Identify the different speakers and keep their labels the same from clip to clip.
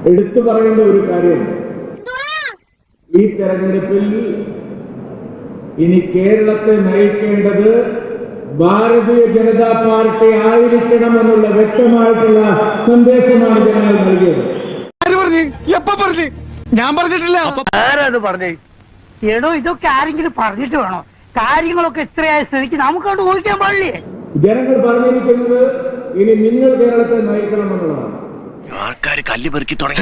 Speaker 1: എടുത്തു പറയേണ്ട ഒരു കാര്യം, ഈ തെരഞ്ഞെടുപ്പിൽ ഇനി കേരളത്തെ നയിക്കേണ്ടത് ഭാരതീയ ജനതാ പാർട്ടി ആയിരിക്കണമെന്നുള്ള വ്യക്തമായിട്ടുള്ള സന്ദേശമാണ് ജനങ്ങൾ നൽകിയത്.
Speaker 2: ഞാൻ പറഞ്ഞിട്ടില്ല.
Speaker 3: ആരത് പറഞ്ഞേ? എടോ, ഇതൊക്കെ ആരെങ്കിലും പറഞ്ഞിട്ട് വേണോ? കാര്യങ്ങളൊക്കെ ഇത്രയായ സ്ഥിതിക്ക് നമുക്കവിടെ ഊഹിക്കാൻ പാടില്ലേ?
Speaker 1: ജനങ്ങൾ പറഞ്ഞിരിക്കുന്നത് ഇനി നിങ്ങൾ കേരളത്തെ നയിക്കണമെന്നുള്ളതാണ്.
Speaker 4: ആൾക്കാര് കല്ല് പെറുക്കി തുടങ്ങി.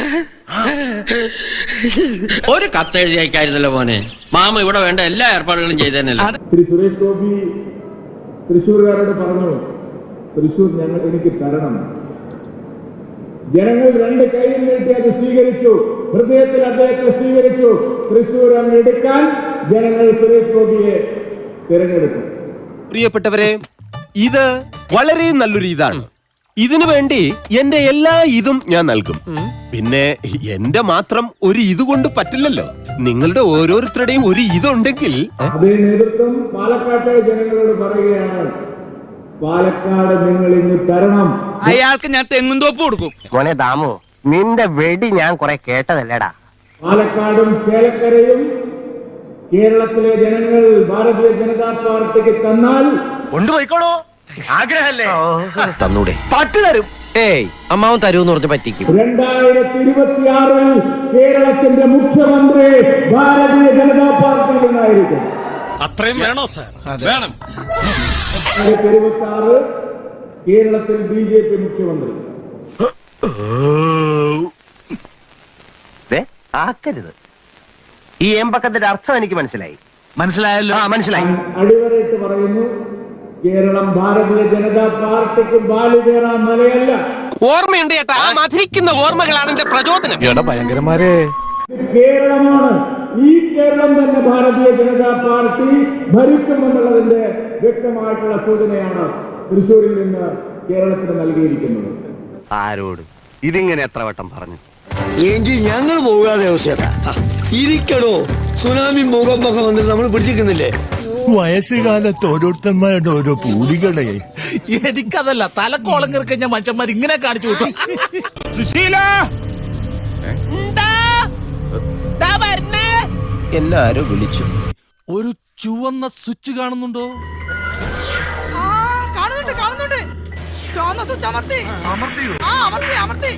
Speaker 5: ഒരു കത്തെഴുതി അയക്കായിരുന്നല്ലോ മോനെ. മാമ ഇവിടെ വേണ്ട എല്ലാ ഏർപ്പാടുകളും ചെയ്തേനല്ലോ.
Speaker 1: ശ്രീ സുരേഷ് ഗോപി തൃശ്ശൂർകാരോട് പറഞ്ഞു, തൃശ്ശൂർ എനിക്ക് തരണം. ജനങ്ങൾ രണ്ട് കൈയിൽ നീട്ടി അത് സ്വീകരിച്ചു. ഹൃദയത്തിൽ അദ്ദേഹത്തെ സ്വീകരിച്ചു. തൃശ്ശൂർ അങ്ങ് എടുക്കാൻ ജനങ്ങൾ സുരേഷ് ഗോപിയെ തിരഞ്ഞെടുക്കും.
Speaker 6: പ്രിയപ്പെട്ടവരെ, ഇത് വളരെ നല്ലൊരു ഇതാണ്. ഇതിനു വേണ്ടി എന്റെ എല്ലാ ഇതും ഞാൻ നൽകും. പിന്നെ എന്റെ മാത്രം ഒരു ഇതുകൊണ്ട് പറ്റില്ലല്ലോ. നിങ്ങളുടെ ഓരോരുത്തരുടെയും ഒരു ഇതുണ്ടെങ്കിൽ
Speaker 1: അതേ നേതൃത്വം പാലക്കാട്ടെ ജനങ്ങളോട് പറയുകയാണ്, പാലക്കാട് നിങ്ങൾ ഇന്ന് തരണം.
Speaker 2: അയാൾക്ക് ഞാൻ തെങ്ങുംതോപ്പ് കൊടുക്കും.
Speaker 3: മോനെ ദാമു, നിന്റെ വെടി ഞാൻ കുറെ കേട്ടതല്ലേടാ.
Speaker 1: പാലക്കാടും ചേലക്കരയും കേരളത്തിലെ ജനങ്ങൾ ഭാരതീയ ജനതാ പാർട്ടിക്ക് തന്നാൽ
Speaker 3: കൊണ്ടുപോയിക്കോളൂ. ആഗ്രഹല്ലേ?
Speaker 6: തന്നൂടെ? പട്ട് തരും. ഏയ്, അമ്മാവൻ തരൂന്ന് പറഞ്ഞ് പറ്റിക്കും.
Speaker 1: 2026 കേരളത്തിന്റെ മുഖ്യമന്ത്രി ഭാരതീയ ജനതാ പാർട്ടിയിൽ നിന്നായിരിക്കും.
Speaker 2: അത്രയും വേണോ സാർ? വേണം.
Speaker 1: 2026 കേരളത്തിൽ BJP മുഖ്യമന്ത്രി.
Speaker 3: ആക്കരുത്. ഈ എമ്പക്കത്തിന്റെ അർത്ഥം എനിക്ക് മനസ്സിലായല്ലോ. മനസ്സിലായി.
Speaker 1: അടിവരയിട്ട് പറയുന്നു, കേരളം ഭാരതീയ ജനതാ പാർട്ടിക്ക് ബാലുകേറാൻ മലയല്ല.
Speaker 6: ഓർമ്മയുണ്ട് ചേട്ടാ, ആ മധുരിക്കുന്ന ഓർമ്മകളാണ് എന്റെ പ്രചോദനം.
Speaker 2: ഭയങ്കരന്മാരെ,
Speaker 1: കേരളമാണ്. ഈ കേരളം തന്നെ ഭാരതീയ ജനതാ പാർട്ടി ഭരിക്കുമെന്നുള്ളതിന്റെ വ്യക്തമായിട്ടുള്ള സൂചനയാണ് തൃശ്ശൂരിൽ നിന്ന് കേരളത്തിന് നൽകിയിരിക്കുന്നത്.
Speaker 3: ആരോട് ഇതിങ്ങനെ എത്ര വട്ടം പറഞ്ഞു?
Speaker 7: എങ്കിൽ ഞങ്ങൾ പോകാതെ അവസ്ഥ ഇരിക്കടോ. സുനാമി ഭൂകമ്പൊക്കെ വന്നിട്ട് നമ്മൾ പിടിച്ചിരിക്കുന്നില്ലേ?
Speaker 8: വയസ്സുകാലത്ത് ഓരോരുത്തന്മാരുടെ ഓരോ പൂതികളെ.
Speaker 2: എനിക്കതല്ല, തലക്കോളം കിറക്കഞ്ഞ മനുഷ്യന്മാർ ഇങ്ങനെ കാണിച്ചു വിട്ടു. സുശീല,
Speaker 6: എല്ലാരും വിളിച്ചു.
Speaker 2: ഒരു ചുവന്ന സ്വിച്ച് കാണുന്നുണ്ടോ?
Speaker 9: കാണുന്നുണ്ട്. ചുവന്ന സ്വിച്ച് അമർത്തി.